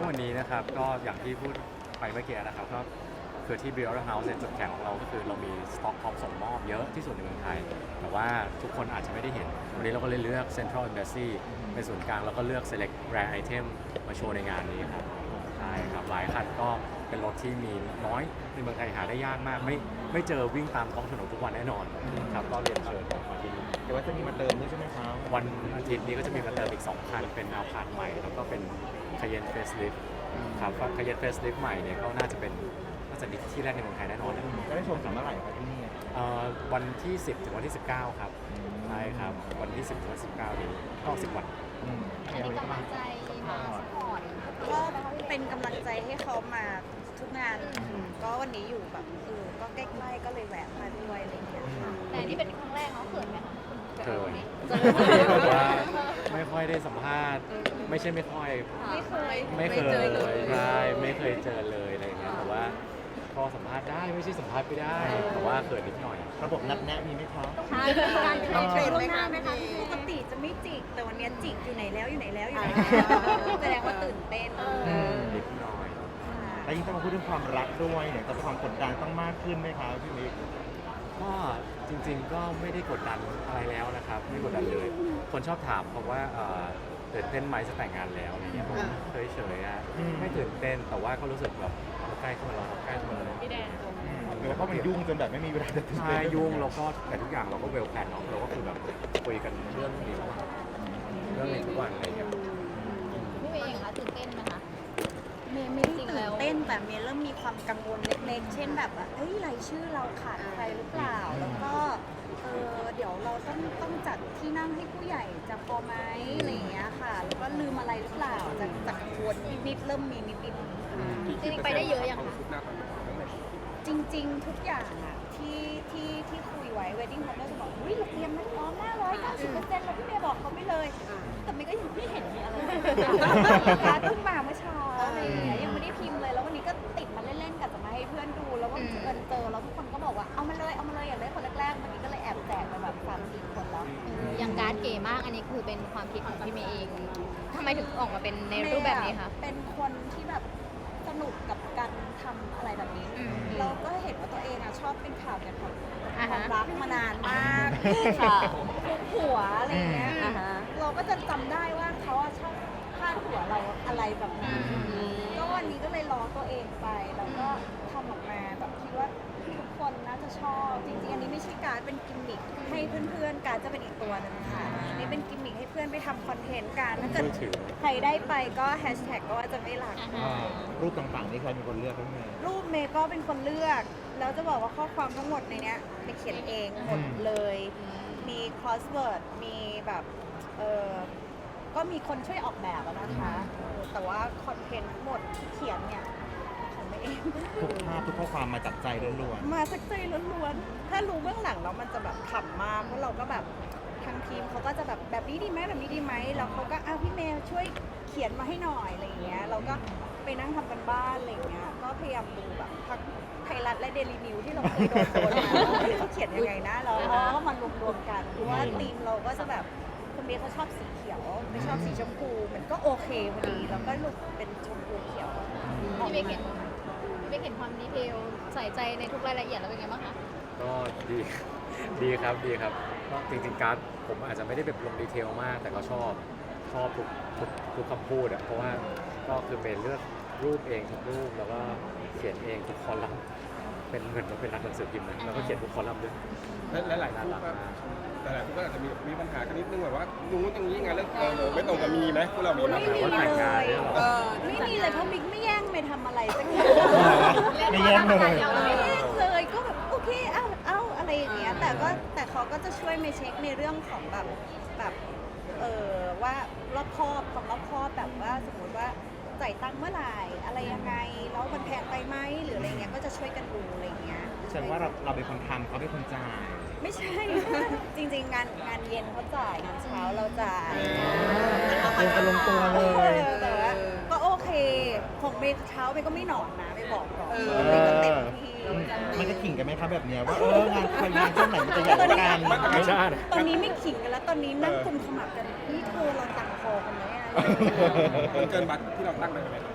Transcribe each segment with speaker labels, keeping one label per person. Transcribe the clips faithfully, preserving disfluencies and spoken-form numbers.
Speaker 1: วันนี้นะครับก็อย่างที่พูดไปเมื่อกี้นะครับก็คือที่ Build House เนี่ยจุดแข็งของเราก็คือเรามีสต็อกพร้อมส่งมอบเยอะที่สุดในเมืองไทยแต่ว่าทุกคนอาจจะไม่ได้เห็นวันนี้เราก็เลยเลือก Central Embassy เป็นศูนย์กลางแล้วก็เลือก Select Rare Item มาโชว์ในงานนี้ครับใช่ครับหลายคันก็เป็นรถที่มีน้อยในเมืองไทยหาได้ยากมากไม่ไม่เจอวิ่งตามท้องถนนทุกวันแน่นอนครับก็เรียนเชิญมาที่นี่
Speaker 2: เดี๋ยวว่าจะมีมาเติมด้วยใช่ไหมครับ
Speaker 1: วันอาทิตย์นี้ก็จะมีมาเติมอีกสองคันเป็นอาพาร์ตใหม่แล้วก็เป็นคาเยนเฟสลิฟครับคาเยนเฟสลิฟใหม่เนี่ยก็น่าจะเป็นน่าจะที่แรกในเมืองไทยแน่นอนนะ
Speaker 2: จะได้ชมถึงเมื่อไหร่ครับที่นี่
Speaker 1: เอ่อวันที่ สิบ ถึงวันที่ สิบเก้า ครับใช่ครับวันที่ สิบ ถึงวันที่สิบเก้านี้ก็สิบวัน
Speaker 2: อืม
Speaker 3: อันนี้กำลังใจมาสปอร์ต
Speaker 4: ก็เป็นกำลังใจให้เขามาทุกงานก็วันนี้อยู่แบบเออก็ใกล้ๆก็เลยแวะมาด้วยอะไรอย่างเงี้ยค่ะ
Speaker 3: แต่นี่เป็นครั้งแรกเขาเขินไหมคะ
Speaker 1: เคยแต่ว่าไม่ค่อยได้สัมภาษณ์ไม่ใช่ไม่ค่อย
Speaker 4: ไม่เคย
Speaker 1: ไม่เคย
Speaker 4: เจอเลย
Speaker 1: ใช่ไม่เคยเจอเลยอะไรอย่างเงี้ยแต่ว่าพอสัมภาษณ์ได้ไม่ใช่สัมภาษณ์ไม่ได้แต่ว่าเขินนิดหน่อย
Speaker 2: ระบบนัดแนะมีไหมครับ
Speaker 3: ใช่การ
Speaker 4: เค
Speaker 3: เค
Speaker 4: ย
Speaker 3: ย
Speaker 4: เท
Speaker 3: เท
Speaker 4: ร
Speaker 3: ร
Speaker 4: น
Speaker 3: น
Speaker 4: ไห
Speaker 3: ไห
Speaker 4: ม
Speaker 3: ม
Speaker 4: คะ
Speaker 3: คะ
Speaker 4: ไหมคะปกติจะไม่จิกแต่วันนี้จิกอยู่ไหนแล้วอยู่ไหนแล้วอยู่ไหนแสดงว่าตื่นเต้น
Speaker 1: นิดหน่อย
Speaker 2: แล้วยิ่งต้องมาพูดเรื่องความรักด้วยเนี่ยจะความกดดันต้องมากขึ้นไหมครับพี่มิก
Speaker 1: ก็จริงๆก็ไม่ได้กดดันอะไรแล้วนะครับไม่กดดันเลย คนชอบถามเพราะว่าเอ่อตื่นเต้นไหมจะแต่งงานแล้วอะไรเงี้ยผมเฉยๆอะไม่ตื่นเต้นแต่ว่าก็รู้สึกแบบใกล้เข้ามาแล้วใกล้เข้ามาแล้ว
Speaker 3: พี่แดน
Speaker 2: หรือว่าเขามันยุ่งจนแบบไม่มีเวลาจะตื่น
Speaker 1: ใช่
Speaker 2: เต้น
Speaker 1: ยุ่งแล้วก็แต่ทุกอย่างเราก็เวลแพลนเนาะเราก็คือแบบคุยกันเรื่องนี้ทุกวันเรื่องนี้ทุกวันอะไรเงี้ย
Speaker 3: พี่เมย์เองคะตื่นเต้นไหมคะ
Speaker 4: เมย์ไม่ได้ตื่นเต้นแต่เมย์เริ่มมีความกังวลเล็กๆ เช่นแบบว่าเอ้ยรายชื่อเราขาดใครหรือเปล่า แล้วก็เออเดี๋ยวเราต้องต้องจัดที่นั่งให้ผู้ใหญ่จะพอไหมอะไรอย่างเงี้ยค่ะ แล้วก็ลืมอะไรหรือเปล่าจะจะกังวลนิดๆเริ่มมีนิดๆค่ะ
Speaker 3: จริงๆไปได้เยอะยังคะ
Speaker 4: จริงๆ ทุกอย่างอะที่ที่ที่คุยไว้ wedding planner จะบอกอุ้ยเราเตรียมมันพร้อมหน้าร้อยเก้าสิบเปอร์เซ็นต์แล้วพี่เมย์บอกเขาไม่เลย แต่เมย์ก็ยังไม่เห็นมีอะไรการเพิ่งมาเมื่อเช้าอะไรอย่างเงี้ยยังไม่ได้พิมพ์เลยแล้ววันนี้ก็ติดมาเล่นๆกับจะมาให้เพื่อนดูแล้วก็เงินเจอแล้วทุกคนก็บอกว่าเอามาเลยเอามาเลยอย่าเลยคนแรกๆวันนี้ก็เลยแอบแจกไปแบบสามสี่คนแล้ว
Speaker 3: อย่างการ์ดเก๋มากอันนี้คือเป็นความคิดของพี่เมย์เองทำไมถึงออกมาเป็นในรูปแบบนี้คะ
Speaker 4: เป็นคนที่แบบสนุกกับการทำอะไรแบบนี้
Speaker 3: อืม
Speaker 4: เราก็เห็นว่าตัวเองอะชอบเป็นข่าวเกี่ยวกับ
Speaker 3: อ่า
Speaker 4: ควา
Speaker 3: ฮะ
Speaker 4: มรักมานานมาก
Speaker 3: ค่ะ
Speaker 4: ทุกหัวอะไรอย่างเงี้ย
Speaker 3: อ่าฮะ
Speaker 4: เราก็จะจำได้ว่าเขาอะชอบพาดหัวเราอะไรแบบนั้นก็วันนี้ก็เลยล้อตัวเองไปแล้วก็ทำออกมาแบบคิดว่าทุกคนน่าจะชอบจริงๆอันนี้ไม่ใช่การดเป็นกิมมิคให้เพื่อนๆการดจะเป็นอีกตัวหนึงค่ะอันนี่เป็นกิมมิคให้เพื่อนไปทำคอนเทนต์กันถ้าเกิด
Speaker 1: มือถือ
Speaker 4: ใครได้ไปก็แฮชแท็กก็ว่าจะไม่รัก
Speaker 3: อ่า
Speaker 2: อ่า
Speaker 3: ฮะ
Speaker 2: รูปต่างๆนี่ใครเป็นคนเลือกพี่เมย์
Speaker 4: รูปเมย์ก็เป็นคนเลือก แล้วจะบอกว่าข้อความทั้งหมดในเนี้ยเมย์เขียนเองหมดเลย มีคอสเวิร์ด มีแบบเออก็มีคนช่วยออกแบบอะนะคะเออแต่ว่าคอนเทนต์ทั้งหมดที่เขียนเนี่ยของเมย์เอง
Speaker 2: ทุกภาพทุกข้อความมาจากใจล้วน
Speaker 4: มาสักใจล้วนๆ ถ้ารู้เบื้องหลังแล้วมันจะแบบขำมากเพราะเราก็แบบทางทีมเขาก็จะแบบแบบนี้ดีไหมแบบนี้ดีไหมแล้วเขาก็อ้าวพี่เมย์ช่วยเขียนมาให้หน่อยอะไรอย่างเงี้ยเราก็ไปนั่งทำกันบ้านอะไรอย่างเงี้ยก็พยายามดูแบบทั้งไทยรัฐและเดลินิวที่เราเคยโดนโดนมาว่าเฮ้ยเขาเขียนยังไงนะแล้วก็มารวมๆกันเพราะว่าทีมเราก็จะแบบคุณเมย์เขาชอบสีเขียวไม่ชอบสีชมพูมันก็โอเคพอดีแล้วก็ลุกเป็นชมพูเขียวออก
Speaker 3: พี่เมย์
Speaker 4: มา
Speaker 3: เห็นพี่เมย์เห็นความดีเทลใส่ใจในทุกรายละเอียดแล้วเป็นไงบ้างคะ
Speaker 1: ก็ดี ดีครับดีครับก็จริงๆการ์ดผมอาจจะไม่ได้แบบลงดีเทลมาก แต่ก็ชอบชอบทุกทุกทุกคำพูดอะเพราะว่าก็คือเป็นเลือกรูปเองทุกรูปแล้วก็เขียนเองทุกคอลัมน์เป็นเหมือนเราเป็นนักหนังสือพิมพ์นะแล้วก็เขียนทุกคอลัมน์ด้วย
Speaker 5: และหลายๆคู่ก็แต่หลายคู่ก็อาจจะมีมีปัญหากันนิดนึงแบบว่านู้นอย่างนี้ไงแล้วเออไม่ตรงกับมีไหมพวกเรามีไหม
Speaker 4: ไม่มี
Speaker 1: ว่าแต่งงานเนี่ยเหรอ
Speaker 4: เลยไม่มีเลยเพราะมิกไม่แย่งไม่ทำอะไรสักอย่าง
Speaker 2: ๆไม่แย่งเลย
Speaker 4: ไม่แย่งเลยก็แบบโอเคเอ้าเอ้าอะไรอย่างเงี้ยแต่ก็แต่เขาก็จะช่วยมาเช็คในเรื่องของแบบแบบเออว่ารอบคอบความรอบคอบแบบว่าสมมติว่าจ่ายตังค์เมื่อไหร่อะไรยังไงแล้วมันแพงไปไหมหรืออะไรเงี้ยก็จะช่วยกันดูอะไรเงี้ย
Speaker 2: แสดงว่าเราเราเป็นคนทำเขาเป็นคนจ่าย
Speaker 4: ไม่ใช่ จริงๆ งานงานเย็นเขาจ่ายงานเช้าเราจ่าย
Speaker 2: ลงกันลงตัวเลย
Speaker 4: แต่ว่าก็โอเคของเมย์เช้าเมย์ก็ไม่นอนนะไม่บอกก่อน
Speaker 2: เอ
Speaker 4: เมย์ก็เต็ม
Speaker 2: อ
Speaker 4: ที่
Speaker 2: มันจะขิงกันไหมครับแบบเนี้ยว่าเอองานใครงานช่วงไหนมันจะใหญ่กว่ากัน
Speaker 1: ไม่ใช่
Speaker 4: ตอนนี้ไม่ขิงกันแล้วตอนนี้นั่งกุมขมับกันนี่เธอเราตังคอกันไหมอะ
Speaker 5: มันเกินบัตรที่เราตั้งไว้ไหม
Speaker 4: ม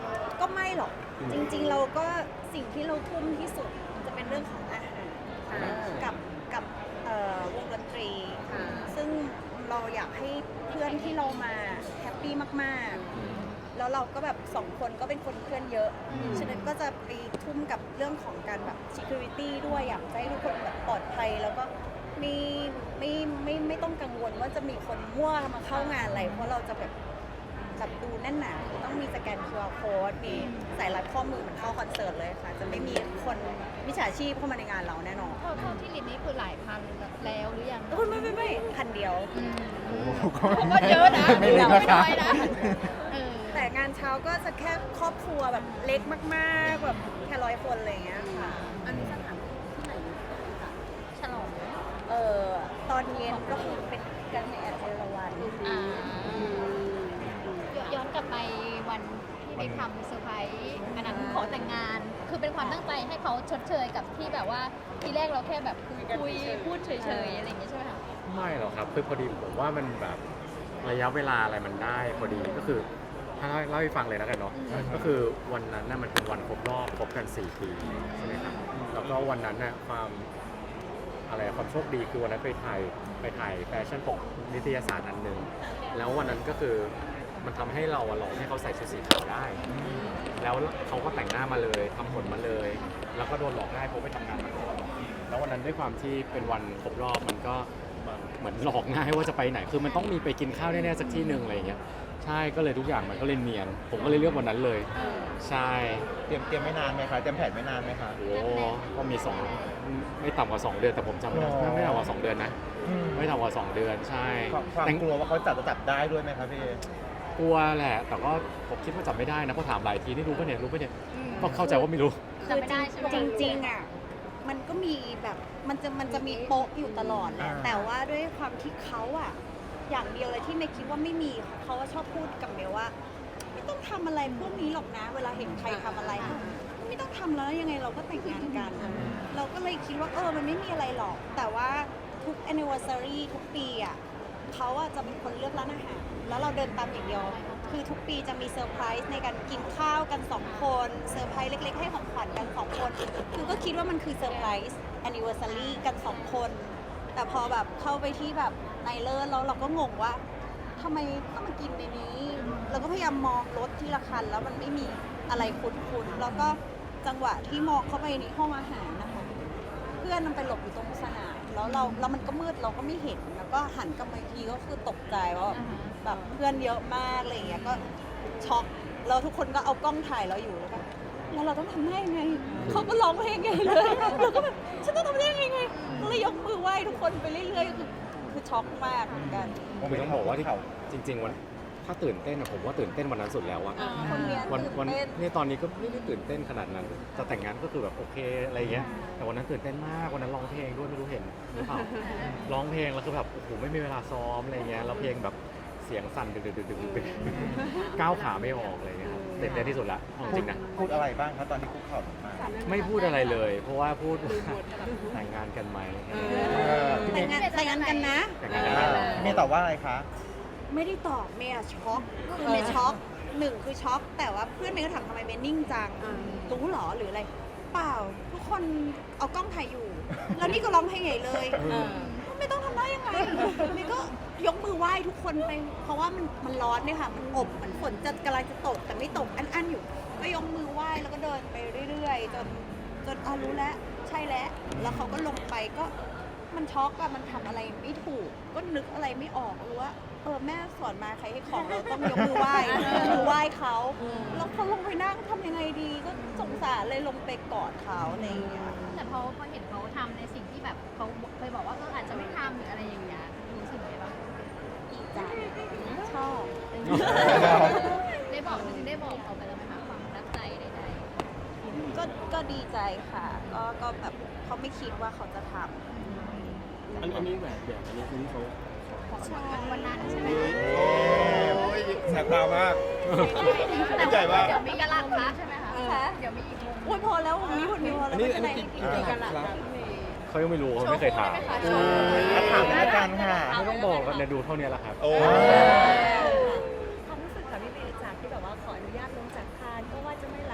Speaker 4: ไม่หรอกจริงๆ เราก็สิ่งที่เราทุ่มที่สุดจะเป็นเรื่องของอาหารกับกับเอ่อวงดนตรี ซึ่งเราอยากให้เพื่อนที่เรามาแฮปปี้มากๆ แล้วเราก็แบบสองคนก็เป็นคนเพื่อนเยอะ ฉะนั้นก็จะไปทุ่มกับเรื่องของการแบบ security ด้วยอยากจะให้ทุกคนแบบปลอดภัย แล้วก็ไม่ไม่ไม่ไม่ต้องกังวลว่าจะมีคนมั่วมาเข้างานอะไร เพราะเราจะแบบแบบดูแน่นหนาต้องมีสแกน คิว อาร์ code มีสายรัดข้อมือเหมือนเข้าคอนเสิร์ตเลยค่ะ จะไม่มีคนมิจฉาชีพเข้ามาในงานเราแน่นอน
Speaker 3: เท่าเท่าที่ลินนี่คือหลายพันแล้วหรือยัง
Speaker 4: โอ้ยไม่ไม่ไม่พันเดียว
Speaker 3: อืม
Speaker 2: โอ้โห
Speaker 3: ก็เยอะนะ
Speaker 2: ไม่เล็กนะคะ
Speaker 3: ไม่น้อยนะเออ
Speaker 4: แต่งานเช้าก็จะแค่ครอบครัวแบบเล็กมากๆแบบแค่ร้อยคนอะไรอย่างเงี้ยค่ะ
Speaker 3: อันนี้สถานที่ไหนฉลอง
Speaker 4: เออตอนเย็นก็คือเป็นกันในแอดเอราวัน
Speaker 3: อ่าย้อนกลับไปวันที่ไปทำเซอร์ไพรส์อันนั้นขอแต่งงาน คือเป็นความตั้งใจให้เขาชดเชยกับที่แบบว่าทีแรกเราแค่แบบคุยคุยพูดเฉยๆอะไรอย่างเงี้ยใช่ไหมคะ
Speaker 1: ไม่หรอกครับคือพอดีผมว่ามันแบบระยะเวลาอะไรมันได้พอดีก็คือถ้าเล่าให้ฟังเลยแล้วกันเนาะก็คือวันนั้นน่ะมันเป็นวันครบรอบครบกันสี่ปีใช่ไหมครับแล้วก็วันนั้นน่ะความอะไรความโชคดีคือวันนั้นไปถ่ายไปถ่ายแฟชั่นปกนิตยสารอันหนึ่งแล้ววันนั้นก็คือมันทำให้เราอะหลอกให้เขาใส่ชุดสีขาวได้ แล้วเขาก็แต่งหน้ามาเลยทำผมมาเลย แล้วก็โดนหลอกง่ายเพราะไปทำงานมาก่อนแล้ววันนั้นด้วยความที่เป็นวันครบรอบมันก็เหมือนหลอกง่ายว่าจะไปไหนคือมันต้องมีไปกินข้าวแน่ๆสักที่หนึ่งอะไรอย่างเงี้ยใช่ก็เลยทุกอย่างมันก็เลยเนียนผมก็เลยเลือกวันนั้นเลย ใช่
Speaker 2: เตรียมเตรียมไม่นานไหมคะเตรียมแผนไม่นานไหมคะ
Speaker 1: โอ้ก็มีสองไม่ต่ำกว่าสองเดือนแต่ผมจำไม่ได้
Speaker 2: อ๋อ
Speaker 1: ไม่ต่ำกว่าสองเดือนนะ
Speaker 2: อืม
Speaker 1: ไม่ต่ำกว่าสองเดือนใช่
Speaker 2: ความความ
Speaker 1: แต่
Speaker 2: กลัวว่าเขาจับจะจับได้ด้วยไหมครับพี่
Speaker 1: กลัวแหละแต่ก็ผมคิดว่าจับไม่ได้นะเพราะถามหลายทีนี่รู้ปะเนี่ยรู้ปะเนี่ยก็เข้าใจว่าไม่รู้
Speaker 3: จำไม่ได้ใช่ไหม
Speaker 4: จริงจริงๆอ่ะมันก็มีแบบมันจะมันจะมีโป๊ะอยู่ตลอดแหละ
Speaker 2: อ่า
Speaker 4: แต่ว่าด้วยความที่เขาอ่ะอย่างเดียวเลยที่เมย์คิดว่าไม่มีเขาว่าชอบพูดกับเมย์ว่า ไม่ต้องทำอะไรพวกนี้หรอกนะ เวลาเห็นใครทำอะไร ไม่ต้องทำแล้วยังไงเราก็แต่งงานกัน เราก็เลยคิดว่าเออมันไม่มีอะไรหรอก แต่ว่าทุก anniversary ทุกปีอ่ะเขาอ่ะจะเป็นคนเลือกร้านอาหารแล้วเราเดินตามอย่างเดียว คือทุกปีจะมีเซอร์ไพรส์ในการกินข้าวกันสองคนเซอร์ไพรส์เล็ก ๆ ให้ของขวัญกันสองคนคือก็คิดว่ามันคือเซอร์ไพรส์ anniversary กันสองคน แต่พอแบบเข้าไปที่แบบในเลิศแล้วเราก็งงว่าทำไมต้องมากินในนี้ เราก็พยายามมองรถที่ละคันแล้วมันไม่มีอะไรคุ้นๆแล้วก็จังหวะที่มองเข้าไปในห้องอาหารนะคะเพื่อนมันไปหลบอยู่ตรงสนามแล้วเราแล้วมันก็มืดเราก็ไม่เห็นแล้วก็หันกลับมาอีกทีก็คือตกใจว่าแบบเพื่อนเยอะมากอะไรอย่างเงี้ยก็ช็อกแล้วทุกคนก็เอากล้องถ่ายเราอยู่แล้วก็แล้วเราต้องทำได้ยังไงเขาก็ร้องเพลงไงเลยเราก็แบบฉันต้องทำได้ยังไงก็เลยยกมือไหว้ทุกคนไปเรื่อยๆคือคือช็อกมากเหมือนกัน
Speaker 1: คือต้องบอกว่าที่จริง ๆ วันถ้าตื่นเต้นอะผมว่าตื่นเต้นวันนั้นสุดแล้วอะ
Speaker 4: คนเรียน
Speaker 1: วัน
Speaker 4: ตื่น
Speaker 1: วัน
Speaker 4: เต้น
Speaker 1: นี่ตอนนี้ก็ไม่ได้ตื่นเต้นขนาดนั้นจะแต่งงานก็คือแบบโอเคอะไรเงี้ยแต่วันนั้นตื่นเต้นมากวันนั้นร้องเพลงด้วยไม่รู้เห็นหรือเปล่าร้องเพลงแล้วคือแบบโอ้โหไม่มีเวลาซ้อมอะไรเงี้ยแล้วเพลงแบบเสียงสั่นดึกดึกดึกดึกดึกก้าวขาไม่ออกอะไรเงี้ยครับตื่นเต้นที่สุดละเอาจริงนะ
Speaker 2: พูดอะไรบ้างครับตอนที่คุกเข่าลงมา
Speaker 1: ไม่พูดอะไรเลย เพราะว่าพูดว่าแต่งงานกันไหม
Speaker 4: แต่งงานแต่งงานกันนะ
Speaker 1: แต่งงานกันไหม
Speaker 2: พี่เมย์ตอบว่าอะไรคะ
Speaker 4: ไม่ได้ตอบเมย์อะช็อกคือเมย์ช็อกหนึ่งคือช็อกแต่ว่าเพื่อนเมย์ก็ถามทำไมเมย์นิ่งจังรู้เหรอหรืออะไร เปล่าทุกคนเอากล้องถ่ายอยู่ แล้วนี่ก็ร้องเพลงใหญ่เลยไม่ต้องทำได้ยังไงเมย์ก็ยกมือไหว้ทุกคนไปเพราะว่ามันมันร้อนเนี่ยค่ะมันอบมันฝนจะกำลังจะตกแต่ไม่ตกอันๆอยู่ ก็ยกมือไหว้แล้วก็เดินไปเรื่อยๆจนจนอ๋อรู้แล้วใช่แล้วแล้วเขาก็ลงไปก็มันช็อกอะมันทำอะไรไม่ถูก ก็นึกอะไรไม่ออกรู้ว่าเออแม่สอนมาใครให้ของเราต้องยกมือไหว้ยกมือไหว้เขาแล้วเขาลงไปนั่งทำยังไงดี ก็สงสารเลยลงไปกอดเขาอะไรอย่างเงี้ย
Speaker 3: แต่พอพอเห็นเขาทำในสิ่งที่แบบเขาเคยบอกว่าเอออาจจะไม่ทำหรืออะไรอย่างเงี้ยรู้สึกไงบ้าง
Speaker 4: ดีใจชอบ
Speaker 3: ได้บอกจริงๆได้บอกเขาไปแล้วไหมคะความประทับใจใด
Speaker 4: ก็ก็ดีใจค่ะ ก็ก็แบบเขาไม่คิดว่าเขาจะท
Speaker 5: อันอันนี้แหวนแหวนอันนี้คือที่เขา
Speaker 3: ๆใช่วันนั้นใช่ไหม
Speaker 5: โอ้ยแสบตามาก
Speaker 3: แต่
Speaker 5: ใจว่า
Speaker 3: เดี๋ยวมีกระลักพระใช่ไหมคะ
Speaker 4: ค่ะ
Speaker 3: เดี๋ยวมีอีกวง
Speaker 4: ำโอ้ยพอแล้ววันนี้วันนี้พอ
Speaker 5: อั
Speaker 4: แล้ว
Speaker 5: นนี้
Speaker 4: ไม่
Speaker 5: อั
Speaker 4: เป็น นไร
Speaker 5: นี้
Speaker 4: ไม่
Speaker 5: กี่
Speaker 4: เป็นไร
Speaker 5: กี่กันละครับ
Speaker 1: เขายังไม่รู้เขาไม่เคยถาม
Speaker 2: มาถามในรายการค่ะ
Speaker 1: ไม่ต้องบอกกันเดี๋ยวดูเท่านี้แหละครับ
Speaker 5: โอ้
Speaker 6: ความรู้สึกค่ะพี่เมย์จากที่แบบว่าขออนุญาตลงจากคานก็ว่าจะไม่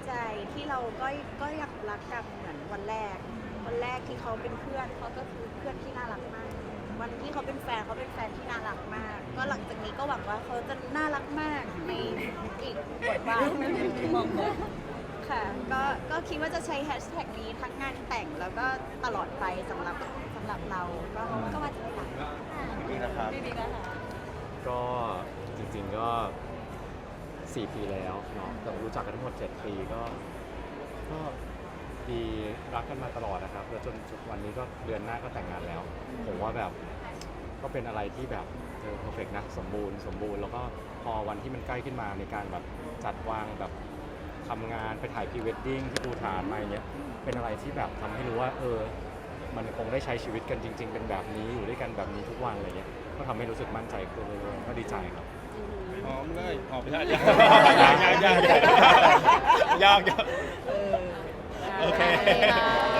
Speaker 4: ใจที่เราก็ก็ยังรักกันเหมือนวันแรก วันแรกที่เขาเป็นเพื่อนเขาก็คือเพื่อนที่น่ารักมาก วันที่เขาเป็นแฟนเขาเป็นแฟนที่น่ารักมาก ก็หลังจากนี้ก็หวังว่าเขาจะน่ารักมากในอีกบทบาทหนึ่งค่ะก็ก็คิดว่าจะใช้แฮชแท็กนี้ทั้งงานแต่งแล้วก็ตลอดไปสำหรับสำหรับเราก็ก็ว่าจะไม่ต่าง
Speaker 2: นี่นะครับ
Speaker 4: ดีดีแล้วค่ะ
Speaker 1: ก็จริงๆก็สี่ปีแล้วเนาะแต่รู้จักกันทั้งหมดเจ็ดปีก็ก็ดีรักกันมาตลอดนะครับแล้วจนจุดวันนี้ก็เดือนหน้าก็แต่งงานแล้ว ผมว่าแบบก็เป็นอะไรที่แบบเออเพอร์เฟกนะสมบูรณ์สมบูรณ์แล้วก็พอวันที่มันใกล้ขึ้นมาในการแบบจัดวางแบบทำงานไปถ่ายพรีเวดดิ้งที่ภูฐานมาอย่างเงี้ยเป็นอะไรที่แบบทำให้รู้ว่าเออมันคงได้ใช้ชีวิตกันจริง ๆ เป็นแบบนี้อยู่ด้วยกันแบบนี้ทุกวันอะไรเงี้ยก็ทำให้รู้สึกมั่นใจขึ้นเรื่อยๆก็ดีใจครับ
Speaker 5: หอมเลยหอมไปได้
Speaker 2: ยากยากยากยากยาก
Speaker 3: เออ
Speaker 2: โอเค
Speaker 3: ได้ค่ะ